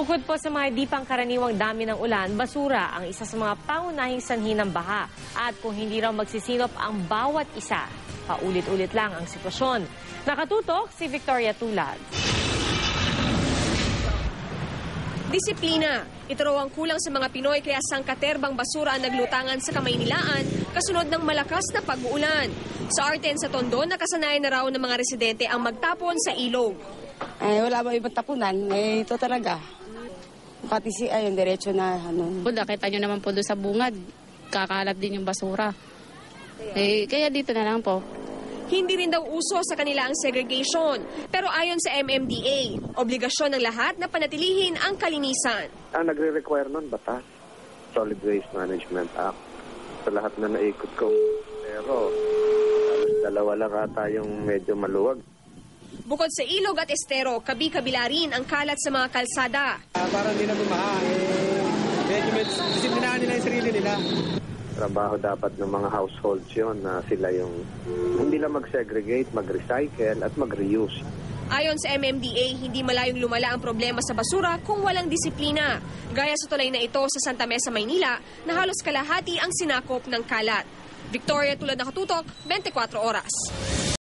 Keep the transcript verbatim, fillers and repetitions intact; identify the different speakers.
Speaker 1: Bukod po sa mga di pangkaraniwang dami ng ulan, basura ang isa sa mga pangunahing sanhi ng baha. At kung hindi raw magsisinop ang bawat isa, paulit-ulit lang ang sitwasyon. Nakatutok si Victoria Tulad.
Speaker 2: Disiplina. Ito raw ang kulang sa mga Pinoy kaya sangkaterbang basura ang naglutangan sa Kamaynilaan kasunod ng malakas na pag-uulan. Sa Arten sa Tondo, nakasanayan na raw ng mga residente ang magtapon sa ilog.
Speaker 3: Eh, wala ba ibang tapunan? Eh, ito talaga. Pati si ayun, diretso na ano.
Speaker 4: Nakita nyo naman po doon sa bungad, kakalat din yung basura. Eh, kaya dito na lang po.
Speaker 2: Hindi rin daw uso sa kanila ang segregation. Pero ayon sa M M D A, obligasyon ng lahat na panatilihin ang kalinisan.
Speaker 5: Ang nagre-require nun, batas. Solid Waste Management Act. Sa lahat na naikot kong pero dalawa lang ata yung medyo maluwag.
Speaker 2: Bukod sa ilog at estero, kabi-kabila rin ang kalat sa mga kalsada.
Speaker 6: Uh, parang hindi na bumaha. Eh, medyo medyo disiplinahan nila yung sarili nila.
Speaker 5: Trabaho dapat ng mga households yun na sila yung hindi lang mag-segregate, mag-recycle at mag-reuse.
Speaker 2: Ayon sa M M D A, hindi malayong lumala ang problema sa basura kung walang disiplina. Gaya sa tulay na ito sa Santa Mesa, Maynila, na halos kalahati ang sinakop ng kalat. Victoria Tulad, Nakatutok, twenty-four oras.